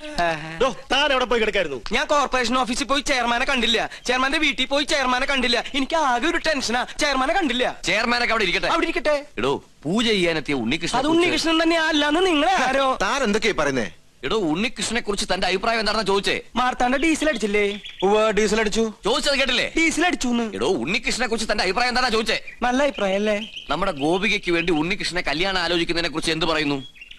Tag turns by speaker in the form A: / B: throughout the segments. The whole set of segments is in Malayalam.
A: താൻ എവിടെ പോയി കിടക്കായിരുന്നു?
B: ഞാൻ കോർപ്പറേഷൻ ഓഫീസിൽ പോയി ചെയർമാനെ കണ്ടില്ല, ചെയർമാന്റെ വീട്ടിൽ പോയി ചെയർമാനെ കണ്ടില്ല. എനിക്ക് ആകെ ഒരു ടെൻഷനാ, ചെയർമാനെ കണ്ടില്ല.
C: ചെയർമാനൊക്കെ അവിടെ ഇരിക്കട്ടെ,
B: അവിടെ ഇരിക്കട്ടെ.
C: എടോ പൂജ ചെയ്യാനെത്തിയ ഉണ്ണികൃഷ്ണൻ.
B: അത് ഉണ്ണികൃഷ്ണൻ തന്നെ അല്ലാന്ന് നിങ്ങളെ ആരോ?
A: താൻ എന്തൊക്കെയാ പറയുന്നേ?
C: എടോ ഉണ്ണികൃഷ്ണനെ കുറിച്ച് തന്റെ അഭിപ്രായം എന്താണെന്ന് ചോദിച്ചേ.
B: മാർത്താണ്ട ഡീസൽ അടിച്ചില്ലേ?
A: ഡീസൽ അടിച്ചു.
C: ചോദിച്ചത് കേട്ടില്ലേ?
B: ഡീസൽ അടിച്ചു.
C: എടോ ഉണ്ണികൃഷ്ണനെ കുറിച്ച് തന്റെ അഭിപ്രായം എന്താ ചോദിച്ചേ?
B: നല്ല അഭിപ്രായം അല്ലേ?
C: നമ്മുടെ ഗോപികയ്ക്ക് വേണ്ടി ഉണ്ണികൃഷ്ണനെ കല്യാണം ആലോചിക്കുന്നതിനെ കുറിച്ച് എന്ത് പറയുന്നു?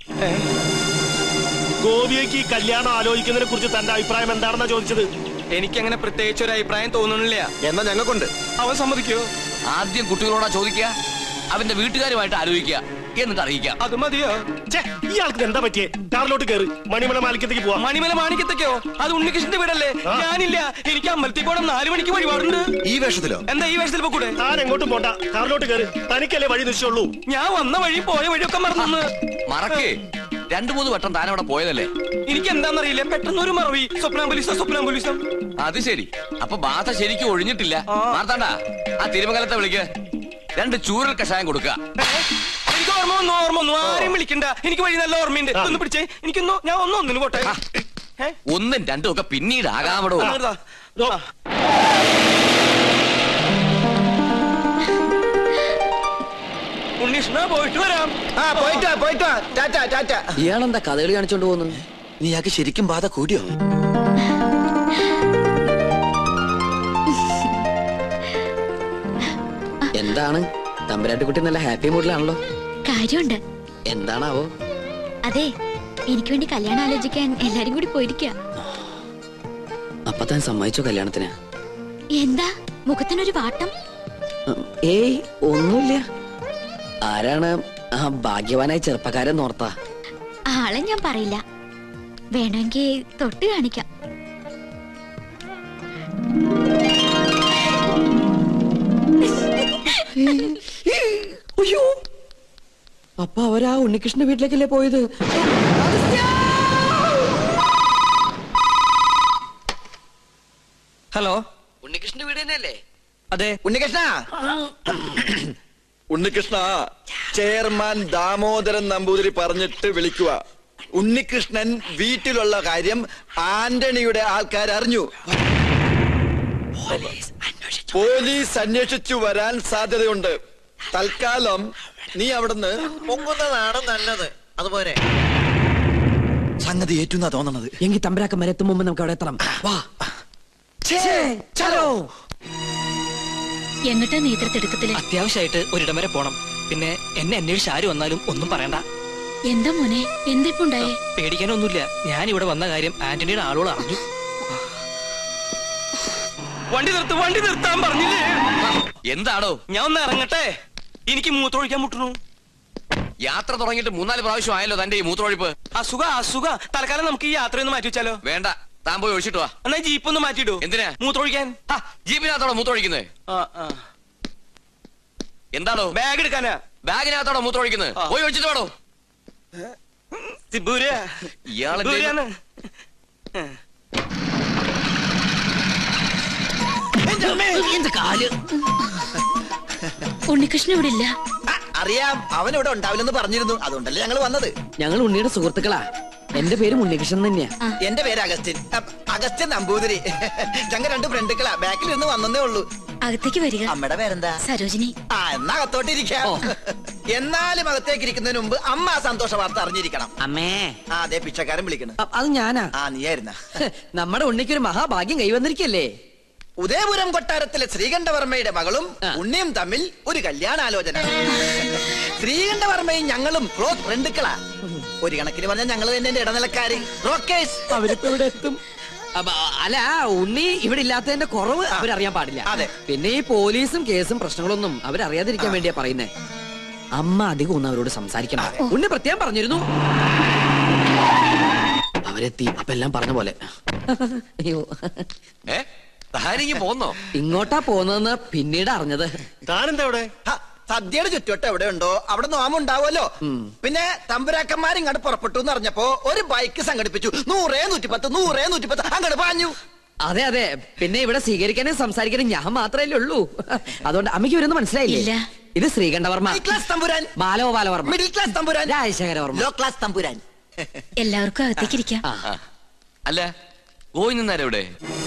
A: ഗോപികയ്ക്ക് കല്യാണം ആലോചിക്കുന്നതിനെ കുറിച്ച് തന്റെ അഭിപ്രായം എന്താണെന്നാ ചോദിച്ചത്.
B: എനിക്കങ്ങനെ പ്രത്യേകിച്ച് ഒരു അഭിപ്രായം തോന്നുന്നില്ല.
A: എന്നാ ഞങ്ങൾക്കുണ്ട്.
B: അവൻ സമ്മതിക്കോ?
C: ആദ്യം കുട്ടികളോടാ ചോദിക്കുക, അവന്റെ വീട്ടുകാരുമായിട്ട് ആലോചിക്കുക, എന്നിട്ട് അറിയിക്കാം.
B: അത് മതിയോ?
A: ഇയാൾക്ക് എന്താ പറ്റിയേ? കാറിലോട്ട് കയറി മണിമല മാണിക്കത്തേക്ക് പോവാം.
B: മണിമല മാണിക്കത്തേക്കോ? അത് ഉണ്ണികൃഷ്ണന്റെ വീടല്ലേ? ഞാനില്ല, എനിക്ക് അമ്പലത്തിൽ പോകണം, 4 മണിക്ക് വഴിപാടുണ്ട്.
A: ഈ വേഷത്തിലോ?
B: എന്താ ഈ വേഷത്തിൽ പോകൂടെ?
A: താൻ എങ്ങോട്ടും പോണ്ട, കാറിലോട്ട് കയറി. തനിക്കല്ലേ വഴി നിശ്ചയുള്ളൂ.
B: ഞാൻ വന്ന വഴി പോയ വഴിയൊക്കെ മറന്നു.
C: മറക്കേ, 2-3 വട്ടം താൻ അവിടെ പോയതല്ലേ?
B: എനിക്ക് എന്താണെന്നറിയില്ല, പെട്ടെന്ന് ഒരു മറവി. സ്വപ്നാംബുലിസം.
C: അത് ശരി, അപ്പൊ ബാധ ശരിക്കും ഒഴിഞ്ഞിട്ടില്ല. മാർത്താണ്ട, ആ തിരുമംഗലത്തെ വിളിക്ക്, 2 ചൂരൽ കഷായം കൊടുക്കുക.
B: എനിക്ക് ഓർമ്മ വന്നു. ആരെയും വിളിക്കണ്ട, എനിക്ക് വഴി നല്ല ഓർമ്മയുണ്ട്. ഒന്ന് പിടിച്ചേ, എനിക്കൊന്നു, ഞാൻ ഒന്നിന് പോട്ടെ.
C: 1ഉം 2ഉം ഒക്കെ പിന്നീട് ആകാമടോ.
B: ഉണ്ണീഷ്ണ, പോയിട്ട് വരാം.
D: ഇയാളെന്താ കഥകളി കാണിച്ചോണ്ട് പോകുന്നു?
E: നീ ആക്ക് ശരിക്കും ബാധ കൂടിയോ?
D: എന്താണ് തമ്പുരാട്ടിക്കുട്ടി നല്ല ഹാപ്പി മൂഡിലാണല്ലോ?
F: കാര്യമുണ്ട്.
D: എന്താണാവോ?
F: അതെ, എനിക്ക് വേണ്ടി കല്യാണം ആലോചിക്കാൻ എല്ലാരും കൂടി പോയിരിക്കുക.
D: അപ്പൊ താൻ സമ്മതിച്ചോ കല്യാണത്തിന്?
F: എന്താ മുഖത്തിനൊരു വാട്ടം?
D: ഏയ് ഒന്നുമില്ല. ആരാണ് ആ ഭാഗ്യവാനായ ചെറുപ്പക്കാരൻ നോർത്താ?
F: ആളെ ഞാൻ പറയില്ല, വേണമെങ്കിൽ തൊട്ട് കാണിക്കാം.
D: അയ്യോ, അപ്പൊ അവരാ ഉണ്ണികൃഷ്ണന്റെ വീട്ടിലേക്കല്ലേ പോയത്?
B: ഹലോ,
D: ഉണ്ണികൃഷ്ണന്റെ വീട് തന്നെയല്ലേ?
B: അതെ.
E: ഉണ്ണികൃഷ്ണ, ചെയർമാൻ ദാമോദരൻ നമ്പൂതിരി പറഞ്ഞിട്ട് വിളിക്കുക. ഉണ്ണികൃഷ്ണൻ വീട്ടിലുള്ള കാര്യം ആന്റണിയുടെ ആൾക്കാർ അറിഞ്ഞു. പോലീസ് അന്വേഷിച്ചു വരാൻ സാധ്യതയുണ്ട്. തൽക്കാലം നീ അവിടുന്ന്
G: പൊങ്ങുന്നതാണ് നല്ലത്. അതുപോലെ
E: സംഗതി ഏറ്റുന്നാ തോന്നണത്.
D: എങ്കിൽ തമ്പരാക്കന്മാരെ എത്തും മുമ്പ് നമുക്ക് അവിടെ എത്തണം. വാ.
F: എങ്ങട്ടാ നേതൃത്വത്തില്?
H: അത്യാവശ്യമായിട്ട് ഒരിടം വരെ പോണം. പിന്നെ എന്നെ അന്വേഷിച്ച് ആര് വന്നാലും ഒന്നും പറയണ്ട.
F: എന്താ മോനെ, എന്തിപ്പോ ഉണ്ടായേ?
H: പേടിക്കാനൊന്നുമില്ല, ഞാൻ ഇവിടെ വന്ന കാര്യം ആന്റണിയുടെ ആളുകൾ അറിഞ്ഞു.
B: വണ്ടി നിർത്താൻ പറഞ്ഞില്ലേ?
C: എന്താണോ?
B: ഞാൻ ഒന്ന് ഇറങ്ങട്ടെ, എനിക്ക് മൂത്രമൊഴിക്കാൻ മുട്ടുന്നു.
C: യാത്ര തുടങ്ങിയിട്ട് 3-4 പ്രാവശ്യം ആയല്ലോ തന്റെ ഈ മൂത്രമൊഴിപ്പ്.
B: അസുഖ. തൽക്കാലം നമുക്ക് ഈ യാത്രയൊന്ന് മാറ്റി വെച്ചാലോ?
C: വേണ്ട, താൻ പോയി ഒഴിച്ചിട്ട് വാ.
B: എന്നാ ജീപ്പ് ഒന്ന് മാറ്റിയിടൂ.
C: എന്തിനാ?
B: മൂത്രമൊഴിക്കാൻ.
C: ജീപ്പിനകത്തോടെ മൂത്രമൊഴിക്കുന്നത്? എന്താണോ?
B: ബാഗ് എടുക്കാനാ.
C: ബാഗിനകത്തോടെ മൂത്രമൊഴിക്കുന്നത്? പോയി ഒഴിച്ചിട്ട് വേണോ? ഇയാളെ
F: ഉണ്ണികൃഷ്ണൻ ഇവിടെ ഇല്ല.
G: അറിയാം, അവൻ ഇവിടെ ഉണ്ടാവില്ലെന്ന് പറഞ്ഞിരുന്നു. അതുകൊണ്ടല്ലേ ഞങ്ങൾ വന്നത്.
D: ഞങ്ങൾ ഉണ്ണിയുടെ സുഹൃത്തുക്കളാ. എന്റെ പേര് ഉണ്ണികൃഷ്ണൻ തന്നെയാ.
G: എന്റെ പേര് അഗസ്ത്യൻ നമ്പൂതിരി. ഞങ്ങൾ 2 ഫ്രണ്ടുക്കളാ. ബാക്കിൽ നിന്ന് വന്നേ ഉള്ളൂ.
F: അകത്തേക്ക് വരിക.
G: അമ്മയുടെ പേരെന്താ?
F: സരോജിനി.
G: എന്നാ അകത്തോട്ടിരിക്കാം. എന്നാലും അകത്തേക്ക് ഇരിക്കുന്നതിന് മുമ്പ് അമ്മ ആ സന്തോഷ വാർത്ത അറിഞ്ഞിരിക്കണം.
D: അമ്മേ.
G: അതെ, പിച്ചക്കാരൻ വിളിക്കണം.
D: അത് ഞാനാ.
G: നീയായിരുന്ന?
D: നമ്മുടെ ഉണ്ണിക്കൊരു മഹാഭാഗ്യം കൈവന്നിരിക്കല്ലേ?
G: ഉദയപുരം കൊട്ടാരത്തിലെ ശ്രീകണ്ഠവർമ്മയുടെ മകളും ഉണ്ണിയും തമ്മിൽ ഒരു കല്യാണാലോചന. ശ്രീകണ്ഠവർമ്മയും ഞങ്ങളും ക്ലോസ് ഫ്രണ്ടുക്കളാ. ഒരു കണക്കിന് പറഞ്ഞാൽ ഞങ്ങൾ തന്നെ ഇടനിലക്കാര്, ബ്രോക്കേഴ്സ്.
D: അവരിപ്പോ ഇവിടെ എത്തും. അല്ല, ഉണ്ണി ഇവിടെ ഇല്ലാത്തതിന്റെ കുറവ് അവരറിയാൻ പാടില്ല.
G: അതെ.
D: പിന്നെ ഈ പോലീസും കേസും പ്രശ്നങ്ങളൊന്നും അവരറിയാതിരിക്കാൻ വേണ്ടിയാ പറയുന്നേ. അമ്മ അധികം ഒന്നും അവരോട് സംസാരിക്കണം. ഉണ്ണി പ്രത്യേകം പറഞ്ഞിരുന്നു. അവരെത്തി. അപ്പൊ എല്ലാം പറഞ്ഞ പോലെ. അയ്യോ,
C: പോന്നോ?
D: ഇങ്ങോട്ടാ പോന്നതെന്ന് പിന്നീട് അറിഞ്ഞത്.
A: താനെന്താ ഇവിടെ?
G: സദ്യയുടെ ചുറ്റോട്ട് എവിടെ ഉണ്ടോ അവിടെ നോമുണ്ടാവുമല്ലോ. പിന്നെ തമ്പുരാക്കന്മാർ ഇങ്ങോട്ട് പുറപ്പെട്ടു എന്ന് അറിഞ്ഞപ്പോ ഒരു ബൈക്ക് സംഘടിപ്പിച്ചു. 100-110 അങ്ങോട്ട് പാഞ്ഞു.
D: അതെ അതെ. പിന്നെ ഇവിടെ സ്വീകരിക്കാനും സംസാരിക്കാനും ഞാൻ മാത്രമല്ലേ ഉള്ളൂ. അതുകൊണ്ട് അമ്മയ്ക്ക് ഇവരൊന്നും മനസ്സിലായില്ലേ? ഇത് ശ്രീകണ്ഠവർമ്മ,
G: ക്ലാസ് തമ്പുരാൻ.
D: ബാലഗോപാലവർമ്മ,
G: മിഡിൽ ക്ലാസ് തമ്പുരാൻ.
D: രാജശേഖരവർമ്മ,
G: ലോ ക്ലാസ് തമ്പുരാൻ.
F: എല്ലാവർക്കും അകത്തേക്ക് ഇരിക്കാം.
C: അല്ല ഗോവിന്ദൻ നായർ എവിടെ?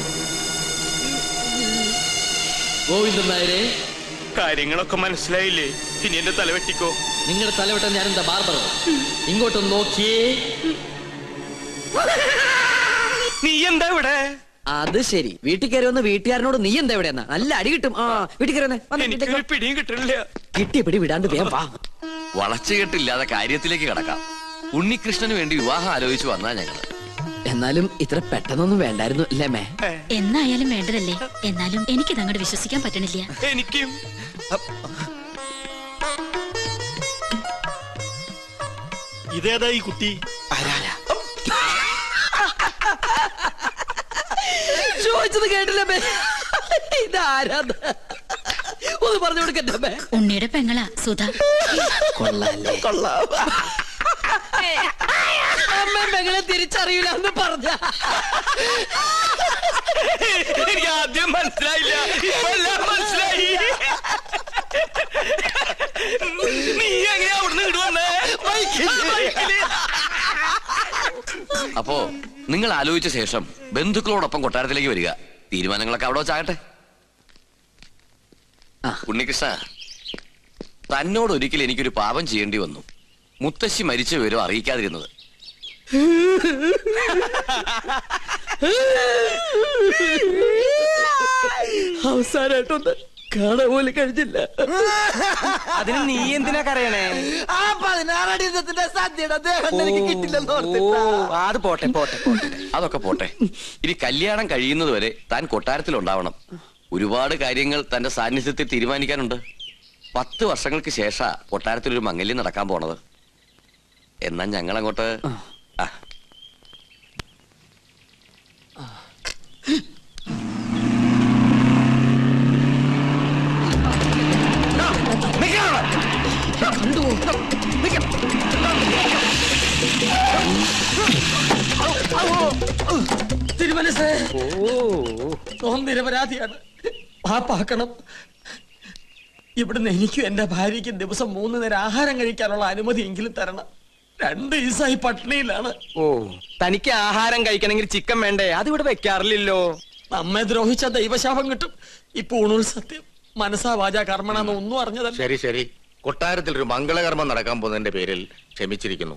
D: ഗോവിന്ദൻ നായരെ,
A: കാര്യങ്ങളൊക്കെ മനസ്സിലായില്ലേ? ഇനി എന്റെ തല വെട്ടിക്കോ.
D: നിങ്ങളുടെ തലവട്ടം ഞാനെന്താ ബാർബറോ? ഇങ്ങോട്ടൊന്ന് നോക്കിയേ.
B: നീ എന്താ ഇവിടെ?
D: അത് ശരി, വീട്ടിൽ കയറി വന്ന് വീട്ടുകാരനോട് നീ എന്താ ഇവിടെ എന്നാ? നല്ല അടി കിട്ടും. ആ വീട്ടിൽ കയറി
B: എനിക്ക് പിടിയും കിട്ടണില്ല.
D: കിട്ടിയ പിടി വിടാണ്ട് വേഗം വാ.
C: വളച്ചുകെട്ടില്ലാതെ കാര്യത്തിലേക്ക് കടക്കാം. ഉണ്ണികൃഷ്ണന് വേണ്ടി വിവാഹം ആലോചിച്ചു വന്നാ ഞങ്ങള്.
D: എന്നാലും ഇത്ര പെട്ടെന്നൊന്നും വേണ്ടായിരുന്നു അല്ലേ മേ?
F: എന്നായാലും വേണ്ടതല്ലേ. എന്നാലും എനിക്കിത് അങ്ങോട്ട് വിശ്വസിക്കാൻ പറ്റണില്ല.
B: എനിക്കും.
A: ഇതേതാ ഈ കുട്ടി?
D: ചോദിച്ചത് കേട്ടില്ല മേ. ഇതാരാ? ഒന്ന് പറഞ്ഞു കൊടുക്കട്ടെ മേ.
F: ഉണ്ണിയുടെ പെങ്ങളാ സുധ.
D: കൊള്ളാല്ലേ? കൊള്ളാം. അമ്മ പെങ്ങളെ തിരിച്ചറിയില്ല എന്ന് പറഞ്ഞ
B: എനിക്ക് ആദ്യം മനസ്സിലായില്ല, ഇപ്പൊ എല്ലാം മനസ്സിലായി. നീ എങ്ങനെയാ അവിടുന്ന് ഇടുവന്നേ?
C: അപ്പോ നിങ്ങൾ ആലോചിച്ച ശേഷം ബന്ധുക്കളോടൊപ്പം കൊട്ടാരത്തിലേക്ക് വരിക. തീരുമാനങ്ങളൊക്കെ അവിടെ വെച്ചാകട്ടെ. ഉണ്ണികൃഷ്ണ, തന്നോട് ഒരിക്കൽ എനിക്കൊരു പാപം ചെയ്യേണ്ടി വന്നു. മുത്തശ്ശി മരിച്ച വിവരം അറിയിക്കാതിരുന്നത്.
D: അവസാനായിട്ടൊന്ന് കാണാൻ പോലും കഴിഞ്ഞില്ല.
B: അതിന് നീ എന്തിനാ കരയണേ?
G: ആ 16 അടി യുദ്ധത്തിന്റെ സദ്യയുടെ ദേഹം എനിക്ക് കിട്ടില്ലെന്ന് ഓർത്തിട്ടാ.
B: അത് പോട്ടെ പോട്ടെ പോട്ടെ.
C: അതൊക്കെ പോട്ടെ. ഇനി കല്യാണം കഴിയുന്നത് വരെ താൻ കൊട്ടാരത്തിൽ ഉണ്ടാവണം. ഒരുപാട് കാര്യങ്ങൾ തന്റെ സാന്നിധ്യത്തിൽ തീരുമാനിക്കാനുണ്ട്. 10 വർഷങ്ങൾക്ക് ശേഷ കൊട്ടാരത്തിൽ ഒരു മംഗല്യം നടക്കാൻ പോണത്. എന്നാ ഞങ്ങൾ അങ്ങോട്ട്.
D: തിരുമനസ് നിരപരാധിയാണ്. പാപ്പാക്കണം. ഇവിടുന്ന് എനിക്കും എന്റെ ഭാര്യയ്ക്കും ദിവസം 3 നേരം ആഹാരം കഴിക്കാനുള്ള അനുമതി എങ്കിലും തരണം. 2 ദിവസമായി പട്ടിണിയിലാണ്.
B: ഓ, തനിക്ക് ആഹാരം കഴിക്കണമെങ്കിൽ ചിക്കൻ വേണ്ടേ? അതിവിടെ വെക്കാറില്ലല്ലോ.
D: നമ്മെ ദ്രോഹിച്ച ദൈവശാപം കിട്ടും. ഇപ്പൊ ഊണുൽ സത്യം മനസ്സാ വാചാ കർമ്മണെന്ന് ഒന്നും അറിഞ്ഞതല്ല.
I: ശരി ശരി, കൊട്ടാരത്തിൽ ഒരു മംഗളകർമ്മം നടക്കാൻ പോകുന്നതിന്റെ പേരിൽ ക്ഷമിച്ചിരിക്കുന്നു.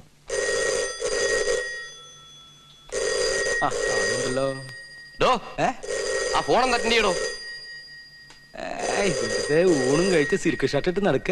C: ആ ഫോണം കട്ടിന്റെ ചെയ്യടോ.
B: ഊണും കഴിച്ച് സിൽക്ക് ഷർട്ട് ഇട്ട് നടക്ക.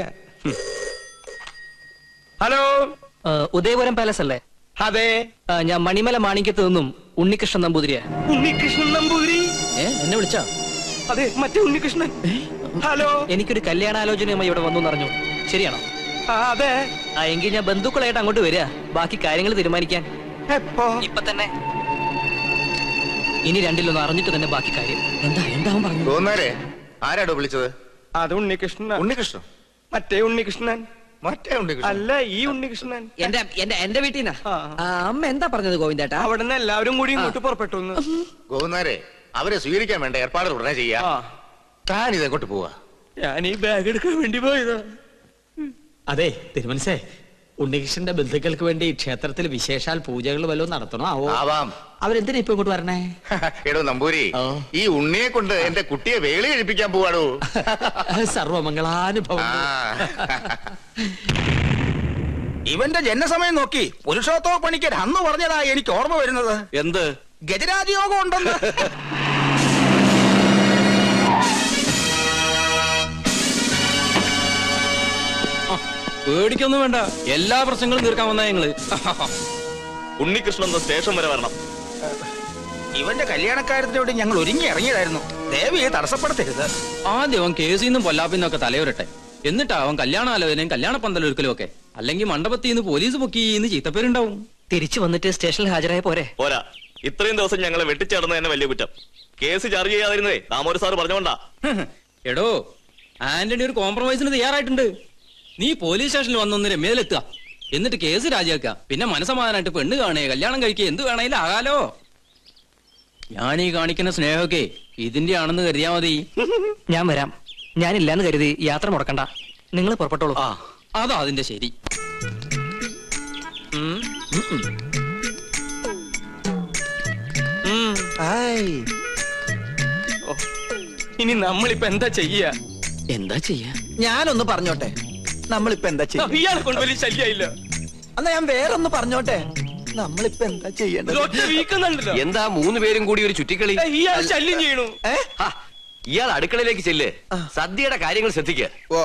B: ഹലോ,
H: ഉദയപുരം പാലസ് അല്ലേ?
B: അതെ.
H: ഞാൻ മണിമല മാണിക്യത്ത് നിന്നും ഉണ്ണികൃഷ്ണൻ നമ്പൂതിരിയാ.
B: ഉണ്ണികൃഷ്ണൻ നമ്പൂതിരി?
D: എന്നെ വിളിച്ചോ?
B: അതെ, മറ്റേ ഉണ്ണികൃഷ്ണൻ. ഹലോ,
H: എനിക്കൊരു കല്യാണാലോചനയുമായി ഇവിടെ വന്നു അറിഞ്ഞു. ശരിയാണോ?
B: അതെ.
H: എങ്കിൽ ഞാൻ ബന്ധുക്കളായിട്ട് അങ്ങോട്ട് വരിക, ബാക്കി കാര്യങ്ങൾ തീരുമാനിക്കാൻ.
B: എപ്പോ?
H: ഇപ്പൊ തന്നെ. ഇനി രണ്ടിലൊന്ന് അറിഞ്ഞിട്ട് തന്നെ ബാക്കി കാര്യം.
D: എന്താ പറഞ്ഞു?
I: തോന്നാരെ ആരാടോ വിളിച്ചത്?
B: അത് ഉണ്ണികൃഷ്ണൻ.
I: ഉണ്ണികൃഷ്ണൻ?
B: മറ്റേ ഉണ്ണികൃഷ്ണൻ
I: മറ്റേ ഉണ്ണികൃഷ്ണൻ
B: അല്ല, ഈ ഉണ്ണികൃഷ്ണൻ.
D: എന്റെ വീട്ടിൽ നിന്നാ. അമ്മ എന്താ പറഞ്ഞത് ഗോവിന്ദേട്ടാ?
B: അവിടെ നിന്ന് എല്ലാവരും കൂടി ഇങ്ങോട്ട് പുറപ്പെട്ടു.
I: ഗോവുന്നാരെ അവരെ സ്വീകരിക്കാൻ വേണ്ട ഏർപ്പാടുകൾ ഉടനെ ചെയ്യാ. താൻ ഇതെങ്ങോട്ട് പോവാ?
B: ഞാൻ ഈ ബാഗ് എടുക്കാൻ വേണ്ടി പോയതാ.
D: അതെ തിരുമനസേ, ഉണ്ണികൃഷ്ണന്റെ ബന്ധുക്കൾക്ക് വേണ്ടി ക്ഷേത്രത്തിൽ വിശേഷാൽ പൂജകൾ വല്ലതും നടത്തണോ?
I: ആവാം.
D: അവരെന്തിനാ ഇപ്പൊ ഇങ്ങോട്ട് വരണേ?
I: എടോ നമ്പൂരി, ഈ ഉണ്ണിയെ കൊണ്ട് എന്റെ കുട്ടിയെ വേളി കഴിപ്പിക്കാൻ പോവാടോ.
D: സർവമംഗളാനുഭവം.
G: ഇവന്റെ ജനസമയം നോക്കി പുരുഷോത്തമ പണിക്കർ അന്ന് പറഞ്ഞതാ എനിക്ക് ഓർമ്മ വരുന്നത്.
C: എന്ത്?
G: ഗജരാജയോഗം ഉണ്ടെന്ന്.
H: പേടിക്കൊന്നും വേണ്ട, എല്ലാ പ്രശ്നങ്ങളും തീർക്കാൻ വന്നാ ഞങ്ങള്.
A: ഉണ്ണികൃഷ്ണൻ സ്റ്റേഷൻ വരെ വരണം.
G: ഇവന്റെ കല്യാണക്കാര്യത്തിനോട് ഞങ്ങൾ ഒരുങ്ങി ഇറങ്ങിയതായിരുന്നു. ദേവിയെ തടസ്സപ്പെടുത്തരുത്.
H: ആദ്യം അവൻ കേസിൽ നിന്നും പൊല്ലാപ്പിന്നൊക്കെ തലയുരട്ടെ, എന്നിട്ടാ അവൻ കല്യാണാലോചനയും കല്യാണ പന്തലൊരുക്കലും ഒക്കെ. അല്ലെങ്കിൽ മണ്ഡപത്തിൽ നിന്ന് പോലീസ് പൊക്കിന്ന് ചീത്തപ്പേരുണ്ടാവും. തിരിച്ചു വന്നിട്ട് സ്റ്റേഷനിൽ ഹാജരായ പോരെ?
A: പോരാ, ഇത്രയും ദിവസം ഞങ്ങളെ വെട്ടിച്ചേർന്ന് തന്നെ വലിയ കുറ്റം. കേസ് ചാർജ് ചെയ്യാതിരുന്നേ ദാമോദരൻ സാർ പറഞ്ഞോണ്ടാ.
H: എടോ, ആന്റണി ഒരു കോംപ്രമൈസിന് തയ്യാറായിട്ടുണ്ട്. നീ പോലീസ് സ്റ്റേഷനിൽ വന്നൊന്ന് രമ്യയിലെത്തുക, എന്നിട്ട് കേസ് രാജിവെക്ക. പിന്നെ മനസ്സമാധാനായിട്ട് പെണ്ണ് കാണേ, കല്യാണം കഴിക്കുക, എന്ത് വേണേലും ആകാലോ. ഞാനീ കാണിക്കുന്ന സ്നേഹമൊക്കെ ഇതിന്റെ ആണെന്ന് കരുതിയാ മതി. ഞാൻ വരാം. ഞാനില്ലാന്ന് കരുതി യാത്ര മുടക്കണ്ട. നിങ്ങൾ പുറപ്പെട്ടോളൂ. അതാ അതിന്റെ ശരി.
B: ഓ, ഇനി നമ്മളിപ്പോ എന്താ ചെയ്യാ?
H: എന്താ ചെയ്യാ?
G: ഞാനൊന്ന് പറഞ്ഞോട്ടെ, നമ്മളിപ്പോ എന്താ ചെയ്യാ?
B: ഇയാളെ കൊണ്ട് വലിയ ശല്യായില്ല.
G: എന്നാ ഞാൻ വേറൊന്ന് പറഞ്ഞോട്ടെ, നമ്മളിപ്പോ എന്താ ചെയ്യേണ്ടത്?
B: ഒറ്റ വീക്കുന്നുണ്ടല്ലോ.
C: എന്താ 3 പേരും കൂടി ഒരു ചുറ്റിക്കളി?
B: ഇയാൾ ശല്യം ചെയ്യണു.
C: ഹാ, ഇയാൾ അടുക്കളയിലേക്ക് ചെല്ല്. സദ്യയുടെ കാര്യങ്ങൾ ശ്രദ്ധിക്കുക.
G: ഓ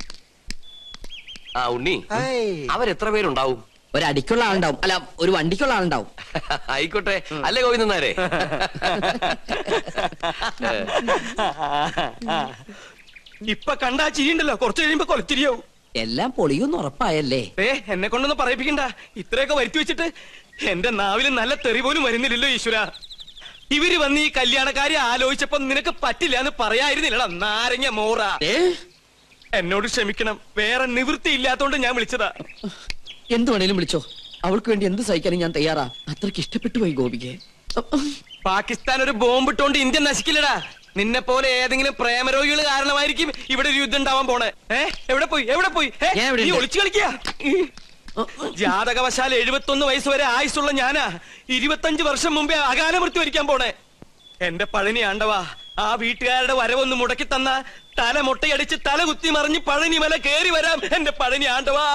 C: ആ ഉണ്ണി,
G: ഹായ്.
C: അവരെത്ര പേരുണ്ടാവും?
H: ഒരടിക്കുള്ള ആളുണ്ടാവും, അല്ല ഒരു വണ്ടിക്കുള്ള ആളുണ്ടാവും.
C: ആയിക്കോട്ടെ, അല്ലേ ഗോവിന്ദനാരെ?
B: ഇപ്പൊ കണ്ടാ ചിരിയുണ്ടല്ലോ, കുറച്ച് കഴിയുമ്പോ കൊലച്ചിരിയാവും.
H: എല്ലാം പൊളിയൊന്നും ഉറപ്പായല്ലേ?
B: എന്നെ കൊണ്ടൊന്നും പറയിപ്പിക്കണ്ട. ഇത്രയൊക്കെ വരുത്തി വെച്ചിട്ട് എന്റെ നാവിൽ നല്ല തെറി പോലും വരുന്നില്ലല്ലോ ഈശ്വര. ഇവര് വന്ന് ഈ കല്യാണക്കാരി ആലോചിച്ചപ്പോ നിനക്ക് പറ്റില്ല എന്ന് പറയായിരുന്നില്ലടാ നാരങ്ങ മോറ. എന്നോട് ക്ഷമിക്കണം, വേറെ നിവൃത്തി ഇല്ലാത്തോണ്ട് ഞാൻ വിളിച്ചതാ.
H: എന്ത് വേണേലും വിളിച്ചോ, അവൾക്ക് വേണ്ടി എന്ത് സഹിക്കാനും ഞാൻ തയ്യാറാ. അത്രക്ക് ഇഷ്ടപ്പെട്ടു പോയി ഗോപിക്ക്.
B: പാകിസ്ഥാൻ ഒരു ബോംബിട്ടോണ്ട് ഇന്ത്യ നശിക്കില്ലടാ. നിന്നെ പോലെ ഏതെങ്കിലും പ്രേമരോഗികൾ കാരണമായിരിക്കും ഇവിടെ ഒരു യുദ്ധം ഉണ്ടാവാൻ പോണേ. എവിടെ പോയി
H: ഞാൻ ഇവിടെ
B: നീ
H: ഉണ്ട്.
B: ഒളിച്ചു കളിക്കാ. ജാതകവശാൽ 71 വയസ്സ് വരെ ആയുസുള്ള ഞാനാ 25 വർഷം മുമ്പേ അകാല മൃത്യു വരിക്കാൻ പോണേ. എന്റെ പഴനി ആണ്ടവാ, ആ വീട്ടുകാരുടെ വരവൊന്ന് മുടക്കി തന്ന തല മുട്ടയടിച്ച് തല കുത്തി മറിഞ്ഞ് പഴനി മല കേറി വരാം. എന്റെ പഴനി ആണ്ടവാ.